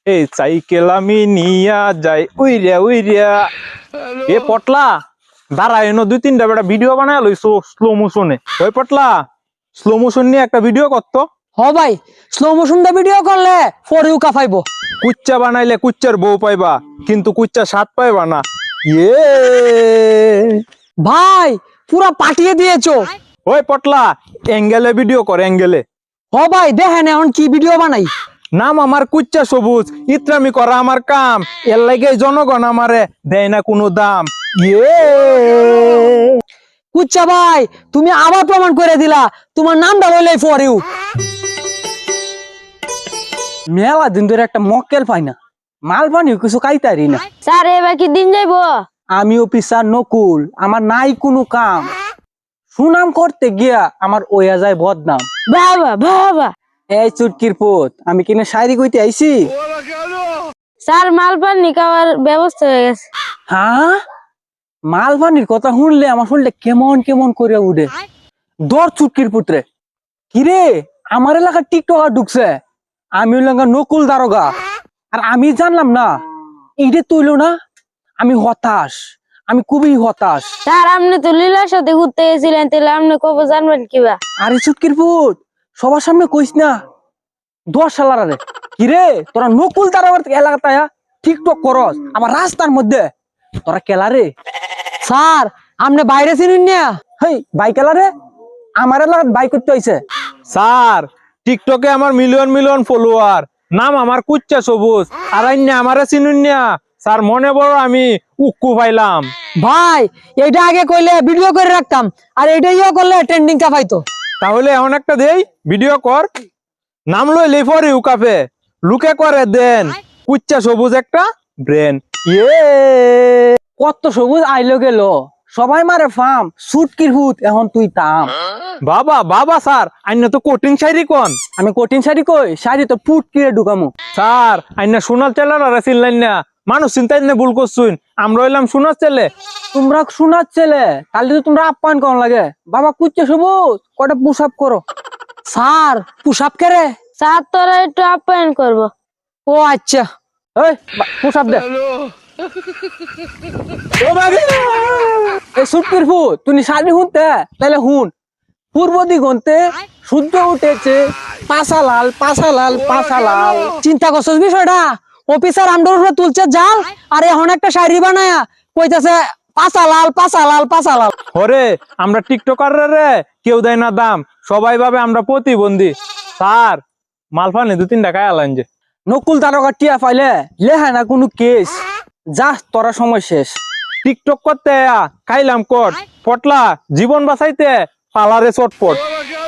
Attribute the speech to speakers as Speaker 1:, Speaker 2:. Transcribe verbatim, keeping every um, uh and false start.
Speaker 1: এই সাইকেল আমি নিয়া যাই উইরিয়া উইরিয়া। এ পটলা দাঁড়া এনো দুই তিনটা বেটা ভিডিও বানায় লইছো স্লো মোশনে। ওই পটলা স্লো মোশন নিয়ে একটা ভিডিও করতো।
Speaker 2: হ ভাই, স্লো মোশন দা ভিডিও করলে ফর ইউ কাফাইবো।
Speaker 1: কুচ্চা বানাইলে কুচ্চার বউ পাইবা, কিন্তু কুচ্চা স্বাদ পাইবা না। ইয়ে
Speaker 2: ভাই পুরা পাঠিয়ে দিয়েছো।
Speaker 1: ওই পটলা অ্যাঙ্গেলে ভিডিও কর অ্যাঙ্গেলে।
Speaker 2: হ ভাই দেখেন এখন কি ভিডিও বানাই।
Speaker 1: নাম আমার কুচ্চা সবুজ, ইত্রামি করা আমার কাম, এর লাগে জনগণ আমারে দেয় না কোনো দাম। ইয়ে
Speaker 2: কুচ্চা ভাই তুমি আবার প্রমাণ করে দিলা তোমার নামটা বললেই ফর ইউ। মেলা দিন ধরে একটা মক্কেল পাই না, মাল পানি কিছু খাইতারি না।
Speaker 3: স্যার এবার কি দিন যাইবো?
Speaker 2: আমি অফিসার নকুল, আমার নাই কোনো কাম, সুনাম করতে গিয়া আমার ওয়া যায় বদনাম।
Speaker 3: বাবা বাবা
Speaker 2: এই চুটকির পুত, আমি কিনে শায়রি কইতে আইছি।
Speaker 3: স্যার মাল পানি খাওয়ার ব্যবস্থা হয়ে গেছে।
Speaker 2: হ্যাঁ, মালবানির কথা শুনলে আমার শুনলে কেমন কেমন করে উঠে। দর চুটকির পুত্রে, কিরে আমার এলাকার টিকটকার ঢুকছে, আমি এলাকা নকুল দারোগা, আর আমি জানলাম না। এইটা তুইল না, আমি হতাশ, আমি খুবই হতাশ।
Speaker 3: স্যার আপনি তো লীলার সাথে ঘুরতে গেছিলেন, তাহলে আপনি কবে জানবেন কিবা?
Speaker 2: আরে চুটকির পুত, সবার সামনে কইস না। দশ সালার আরে কিরে তোরা নকুল দারোগার এলাকায় টিকটক করস আমার রাস্তার মধ্যে, তোরা কেলা রে? স্যার আপনি বাইরে চিনুন না? হেই বাইকেলা রে, আমার এলাকাত বাইক করতে হইছে।
Speaker 1: স্যার টিকটকে আমার মিলিয়ন মিলিয়ন ফলোয়ার, নাম আমার কুচ্চা সবুজ, আর আইনা আমারে চিনুন না। স্যার মনে বড় আমি উক্কু পাইলাম।
Speaker 2: ভাই এইটা আগে কইলে ভিডিও করে রাখতাম, আর এইটাইও করলে ট্রেন্ডিং কা পাইতো।
Speaker 1: তাহলে এখন একটা দেই ভিডিও কর, নাম লই লেফর ইউ কাফে, লুকে করে দেন কুচ্চা সবুজ একটা ব্রেন। ইয়ে
Speaker 2: কত সবুজ আইলো গেল, সবাই মারে ফার্ম সুটকির হুত, এখন তুই তাম।
Speaker 1: বাবা বাবা স্যার আইনা তো কোটিং শাড়ি কোন।
Speaker 2: আমি কঠিন শাড়ি কই, শাড়ি তো ফুট কিরে ঢুকামু।
Speaker 1: স্যার আইনা সোনার চেলার চিনলেন না, মানুষ চিন্তাই না ভুল করছুন, আমরা হইলাম সোনার ছেলে।
Speaker 2: তোমরা শোনার ছেলে, তাহলে তো তোমরা আপ্যায়ন কর লাগে। বাবা কুচ্চে সবুজ কটা পুশ আপ করো। স্যার পুশ আপ করে?
Speaker 3: স্যার তোরা একটু আপ্যায়ন করবো।
Speaker 2: ও আচ্ছা, এই পুশ আপ দে। এই সুটকির ফু, তুমি শাড়ি হুনতে তাহলে হুন। পূর্ব দিগন্তে সূর্য উঠেছে, পাশা লাল পাশা লাল পাশা লাল। চিন্তা করছস বিষয়টা? অফিসার আমডোর উপরে তুলছে জাল, আর এখন একটা শাড়ি বানায়া কইতাছে পাশা লাল পাশা লাল পাশা লাল।
Speaker 1: হরে আমরা টিকটকার রে কেউ দেয় না দাম, সবাই ভাবে আমরা প্রতিবন্ধী। স্যার মালফানে দু তিন টাকায় আলাইন যে।
Speaker 2: নকুল তারকা টিয়া পাইলে লেহা না কোনো কেস, যা তোরা সময় শেষ।
Speaker 1: টিকটক করতে আয়া খাইলাম কট, পটলা জীবন বাঁচাইতে পালারে চটপট।